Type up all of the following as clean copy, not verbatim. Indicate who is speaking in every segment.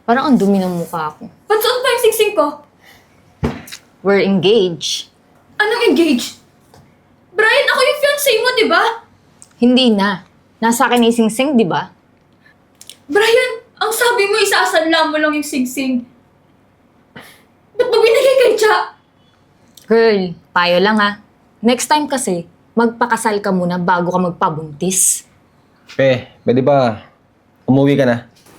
Speaker 1: Parang ang dumi ng mukha ko.
Speaker 2: Ba't suot pa yung singsing ko?
Speaker 1: We're engaged.
Speaker 2: Anong engaged? Brian, ako yung fiancé mo, di ba?
Speaker 1: Hindi na. Nasa akin na yung sing-sing, di ba?
Speaker 2: Brian, ang sabi mo, isasanla mo lang yung singsing. Ba't mo binigay kay Cha?
Speaker 1: Girl, payo lang ha. Next time kasi, magpakasal ka muna bago ka magpabuntis.
Speaker 3: Pe, pwede ba umuwi ka na?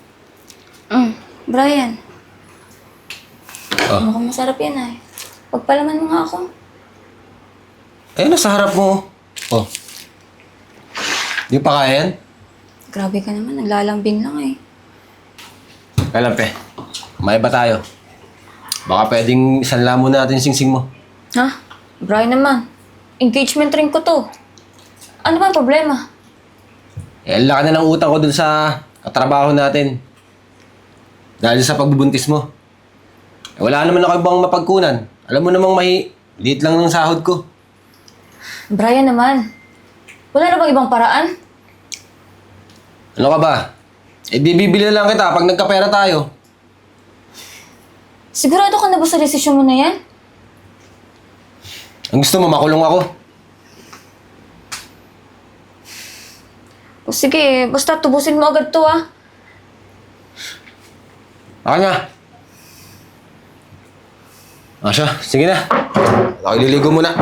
Speaker 2: Brian,
Speaker 3: Oh.
Speaker 2: mukhang masarap yan ay. Pagpalaman mo nga ako.
Speaker 3: Ayun, nasa harap mo. Oh. Di pa kaya yan?
Speaker 2: Grabe ka naman, naglalambing lang eh.
Speaker 3: Kaya lang, Pe. May ba tayo? Baka pwedeng isanla muna natin yung singsing mo.
Speaker 2: Ha? Brian naman, engagement ring ko to. Ano ba ang problema?
Speaker 3: Eh, ang laki na ng utang ko dun sa katrabaho natin. Dahil sa pagbubuntis mo. Eh, wala naman ako ibang mapagkunan. Alam mo namang liit lang ng sahod ko.
Speaker 2: Brian naman, wala na bang ibang paraan?
Speaker 3: Ano ka ba? Eh, di bibili na lang kita pag nagkapera tayo.
Speaker 2: Sigurado ka na ba sa desisyon mo na yan?
Speaker 3: Ang gusto mo, makulong ako.
Speaker 2: O sige, basta tubusin mo agad to ah.
Speaker 3: Baka nga. Siya, sige na. Ako ililigo muna.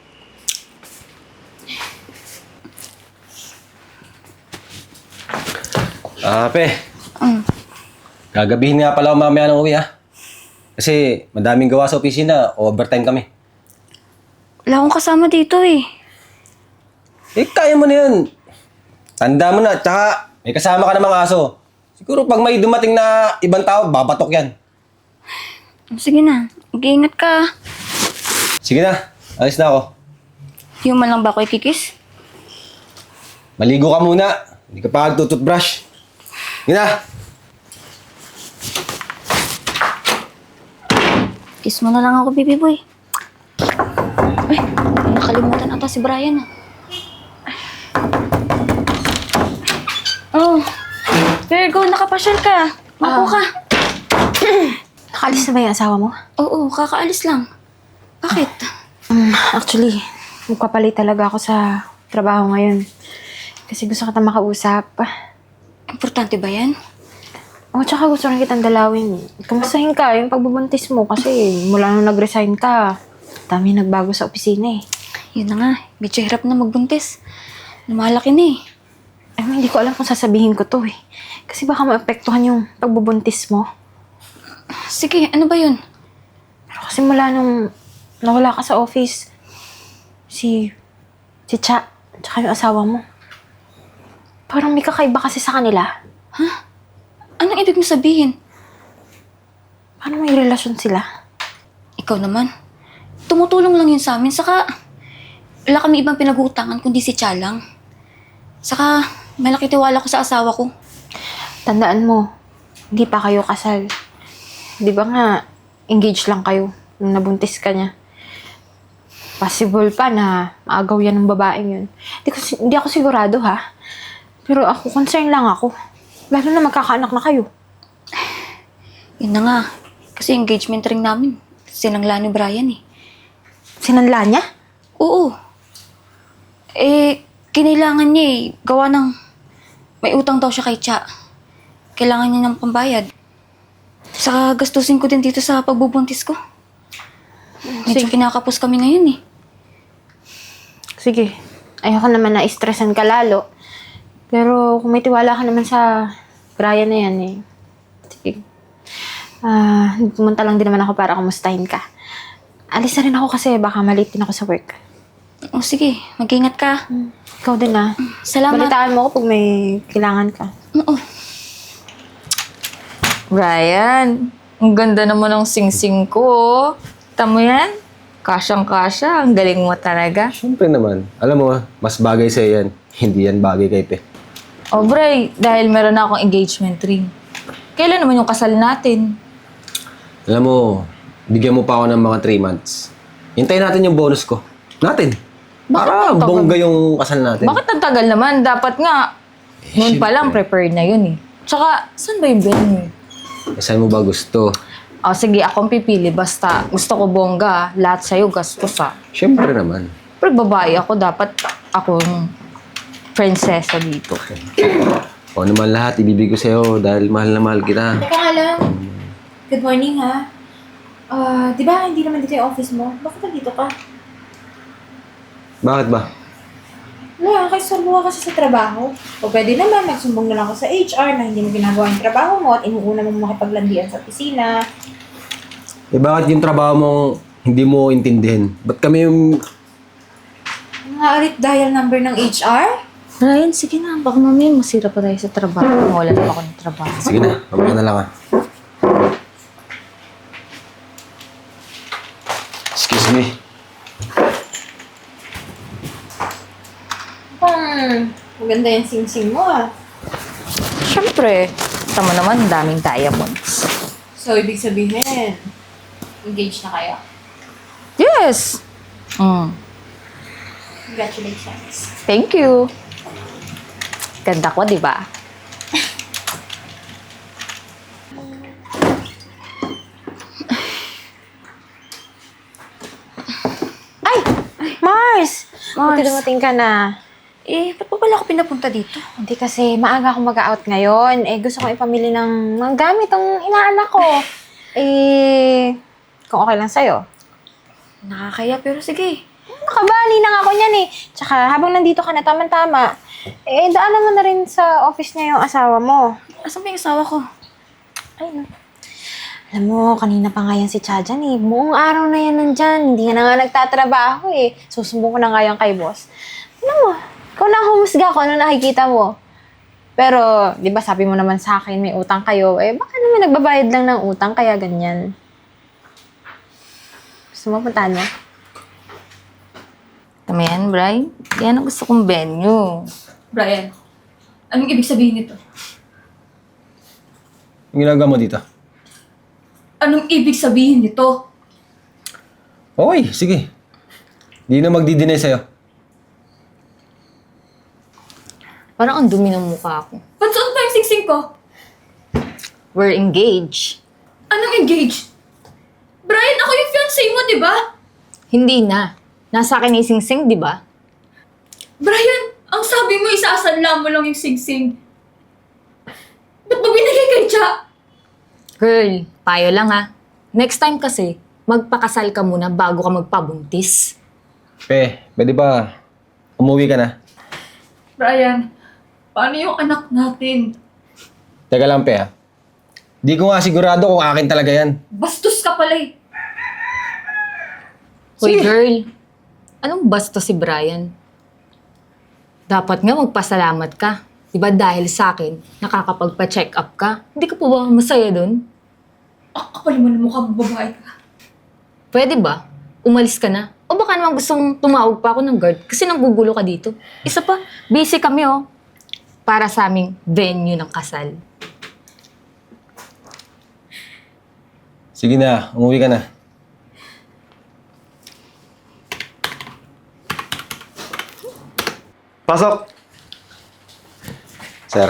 Speaker 3: Pe. Gagabihin nga pala ako mamaya ng uwi, ha? Kasi madaming gawa sa opisina, overtime kami.
Speaker 2: Wala akong kasama dito eh.
Speaker 3: Eh, kaya mo na yun. Tanda mo na, tsaka may kasama ka namang aso. Siguro pag may dumating na ibang tao, babatok yan.
Speaker 2: Sige na, mag-iingat ka.
Speaker 3: Sige na, alis na ako.
Speaker 2: Yung man lang ba ako ikikis?
Speaker 3: Maligo ka muna. Hindi ka pa tututbrush. Sige na.
Speaker 2: Kiss mo na lang ako, baby boy. Ay, nakalimutan ata si Brian ah. Oh, Virgo, nakapasyal ka. Mapo ka.
Speaker 4: Nakaalis na ba yung asawa mo?
Speaker 2: Oo, kakaalis lang. Bakit?
Speaker 4: Actually, magpapalit talaga ako sa trabaho ngayon. Kasi gusto kita makausap.
Speaker 2: Importante ba yan?
Speaker 4: Tsaka gusto rin kitang dalawin. Kamustahin ka yung pagbubuntis mo kasi mula nung nag-resign ka, dami nagbago sa opisina eh.
Speaker 2: Yun na nga, medyo hirap na magbuntis. Lumalaki na eh.
Speaker 4: Hindi ko alam kung sasabihin ko to eh. Kasi baka maapektuhan yung pagbubuntis mo.
Speaker 2: Sige, ano ba yun?
Speaker 4: Pero kasi mula nung nawala ka sa office, si Cha, tsaka yung asawa mo. Parang may kakaiba kasi sa kanila.
Speaker 2: Anong ibig mo sabihin?
Speaker 4: Paano may relasyon sila?
Speaker 2: Ikaw naman. Tumutulong lang yun sa amin. Saka, wala kami ibang pinag-uutangan kundi si Cha lang. Saka, malaki tiwala ko sa asawa ko.
Speaker 4: Tandaan mo, hindi pa kayo kasal. Di ba nga, engaged lang kayo nung nabuntis ka niya. Possible pa na maagaw yan ng babaeng yun. Hindi ako sigurado ha. Pero ako, concern lang ako. Lalo na magkakaanak na kayo.
Speaker 2: Yun na nga. Kasi engagement ring namin. Sinangla ni Brian eh.
Speaker 4: Sinanla niya?
Speaker 2: Oo. Kinailangan niya eh. Gawa ng... May utang daw siya kay Cha. Kailangan niya ng pambayad. Saka gastusin ko din dito sa pagbubuntis ko. Medyo kinakapos kami ngayon eh.
Speaker 4: Sige. Ayoko naman na stressan ka lalo. Pero kung may tiwala ka naman sa Brian na yan eh. Sige. Pumunta lang din naman ako para kumustahin ka. Alis na rin ako kasi baka malate din ako sa work.
Speaker 2: O sige, mag-ingat ka.
Speaker 4: Ikaw din
Speaker 2: Salamat.
Speaker 4: Balitaan mo ako pag may kailangan ka.
Speaker 2: Oo.
Speaker 1: Brian, ang ganda naman ng sing-sing ko. Tamo yan? Kasyang-kasya. Ang galing mo talaga.
Speaker 3: Siyempre naman. Alam mo, mas bagay sa'yo yan. Hindi yan bagay kay Pe.
Speaker 1: O, Bray, dahil meron na akong engagement ring. Kailan naman yung kasal natin?
Speaker 3: Alam mo, bigyan mo pa ako ng mga 3 months. Hintayin natin yung bonus ko. Natin. Para
Speaker 1: ang tagal?
Speaker 3: bongga yung kasal natin.
Speaker 1: Bakit ang tagal naman? Dapat nga, noon pa lang prepared na yun eh. Tsaka, saan ba yung venue?
Speaker 3: Saan mo ba gusto?
Speaker 1: O sige, akong pipili. Basta gusto ko bongga. Lahat sa'yo gastos ah.
Speaker 3: Siyempre naman.
Speaker 1: Pero babae ako, dapat akong prinsesa dito.
Speaker 3: O naman lahat, ibibig ko sa'yo dahil mahal na mahal kita.
Speaker 4: Teka nga lang. Good morning, ha? Di ba hindi naman dito yung office mo? Bakit nandito ka?
Speaker 3: Bakit ba?
Speaker 4: Wala, kasi sorbo ka kasi sa trabaho. O pwede naman, magsumbong na lang ako sa HR na hindi mo ginagawa yung trabaho mo at inuuna mo makipaglandian sa opisina.
Speaker 3: Eh bakit yung trabaho mong hindi mo intindihin? Ba't kami yung...
Speaker 4: Mga ulit dial number ng HR?
Speaker 1: Ryan, sige na. Baka mamaya masira pa tayo sa trabaho. Wala na ako ng trabaho.
Speaker 3: Sige na, mamaya na lang ah. Excuse me.
Speaker 4: Maganda yung sing-sing mo, ah.
Speaker 1: Siyempre, tama naman, daming diamonds.
Speaker 4: So, ibig sabihin, engaged na kayo?
Speaker 1: Yes!
Speaker 4: Congratulations.
Speaker 1: Thank you. Ganda ko, di ba?
Speaker 4: Mars! Buti
Speaker 2: Mars.
Speaker 4: dumating ka na.
Speaker 2: Ba't pa pala ako pinapunta dito?
Speaker 4: Hindi kasi maaga akong mag-out ngayon. Gusto kong ipamili ng mga gamit ang inaanak ko. Kung okay lang sa'yo.
Speaker 2: Nakakaya, pero sige.
Speaker 4: Nakabali na nga ako niyan eh. Tsaka habang nandito ka na tama-tama, daanan mo na rin sa office niya yung asawa mo.
Speaker 2: Asan ba yung asawa ko?
Speaker 4: Ayun. Alam mo, kanina pa nga yan si Chajan eh. Buong araw na yan nandyan. Hindi na nga nagtatrabaho eh. Susumbong ko na nga yan kay boss. Alam mo, ikaw na humusga kung ano nakikita mo. Pero, di ba sabi mo naman sa akin may utang kayo, baka naman nagbabayad lang ng utang kaya ganyan. Gusto mo puntahan mo?
Speaker 1: Tama yan, Bri. Yan ang gusto kong venue.
Speaker 2: Brian, anong ibig sabihin nito?
Speaker 3: Yung ginagawa mo dito?
Speaker 2: Anong ibig sabihin nito?
Speaker 3: Okay, sige. Hindi na magdi-deny sa'yo.
Speaker 1: Parang ang dumi ng mukha ko.
Speaker 2: Ba't saan pa yung singsing ko?
Speaker 1: We're engaged.
Speaker 2: Anong engaged? Brian, ako yung fiancé mo, di ba?
Speaker 1: Hindi na. Nasa akin ni Sing-Sing, di ba?
Speaker 2: Brian, ang sabi mo, isasanla mo lang yung singsing. Ba't mo binigay kay Cha?
Speaker 1: Girl, payo lang ha. Next time kasi, magpakasal ka muna bago ka magpabuntis.
Speaker 3: Pwede ba umuwi ka na?
Speaker 2: Brian, paano yung anak natin?
Speaker 3: Teka lang, Pe. Di ko nga sigurado kung akin talaga yan.
Speaker 2: Bastos ka pala eh.
Speaker 1: Hoy
Speaker 3: Sige.
Speaker 1: girl, anong basto si Brian? Dapat nga magpasalamat ka. Diba dahil sa akin, nakakapagpa-check up ka? Hindi ka po ba masaya dun?
Speaker 2: Kapal mo na mukha mo, babae ka.
Speaker 1: Pwede ba? Umalis ka na? O baka naman gusto mong tumawag pa ako ng guard kasi nanggugulo ka dito. Isa pa, busy kami oh. Para sa aming venue ng kasal.
Speaker 3: Sige na, umuwi ka na.
Speaker 5: Pasok!
Speaker 3: Sir,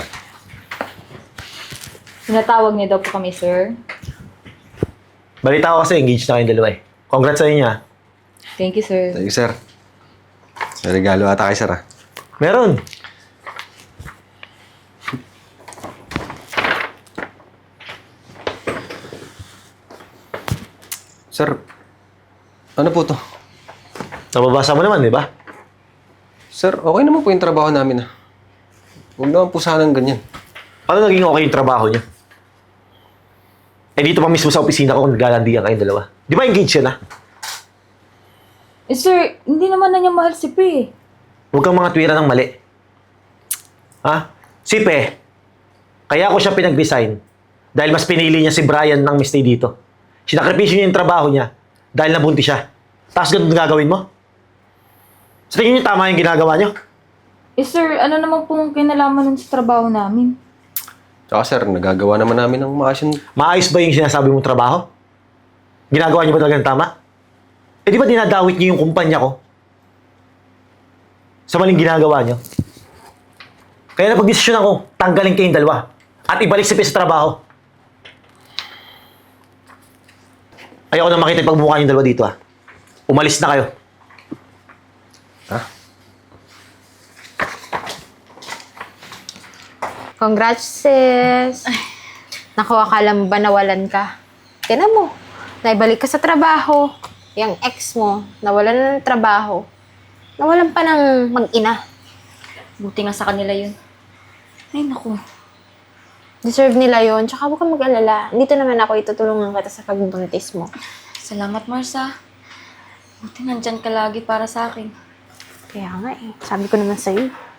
Speaker 1: Pinatawag niya daw po kami, sir.
Speaker 5: Balita ko kasi engaged na kayong dalawa eh. Congrats sa inyo ah.
Speaker 1: Thank you, sir.
Speaker 3: thank you, sir. May regalo ata kay sir, ah.
Speaker 5: Meron.
Speaker 3: Sir, ano po to?
Speaker 5: Nababasa mo naman, di ba?
Speaker 3: Sir, okay naman po yung trabaho namin, ah. Huwag naman po sanang ganyan.
Speaker 5: Paano naging okay yung trabaho niya? Dito pa mismo sa opisina ko kung naglalandian kayong dalawa. Di ba engaged yan ah?
Speaker 1: Sir, hindi naman na niya mahal si P.
Speaker 5: Huwag kang mga tuwira ng mali. Ha? Si Pe, kaya ako siya pinag-resign dahil mas pinili niya si Brian ng mistay dito. Sinakripisyo niya yung trabaho niya dahil nabuntis siya. Tapos ganun gagawin mo? Sa tingin niyo tama yung ginagawa niyo?
Speaker 1: Sir, ano naman pong kinalaman nun sa trabaho namin?
Speaker 3: Tsaka sir, nagagawa naman namin ng maayos yung...
Speaker 5: Maayos ba yung sinasabi mong trabaho? Ginagawa niyo ba talaga ng tama? Di ba dinadawit niyo yung kumpanya ko? Sa maling ginagawa niyo? Kaya napag-desisyon ako, tanggalin kayong dalawa at ibalik si Pe sa trabaho. Ayoko na makita yung pagmumukha yung dalawa dito, ha? Umalis na kayo.
Speaker 4: Congrats, sis. Naku, akala mo ba nawalan ka? Tinan mo, naibalik ka sa trabaho. Yung ex mo, nawalan na ng trabaho. Nawalan pa ng mag-ina.
Speaker 2: Buti nga sa kanila yun. Ay, naku.
Speaker 4: Deserve nila yon. Tsaka huwag kang mag-alala. Dito naman ako itutulungan kita sa pagbubuntis mo.
Speaker 2: Salamat, Marsa. Buti nandyan ka lagi para sa akin.
Speaker 4: Kaya nga eh, sabi ko naman sa'yo.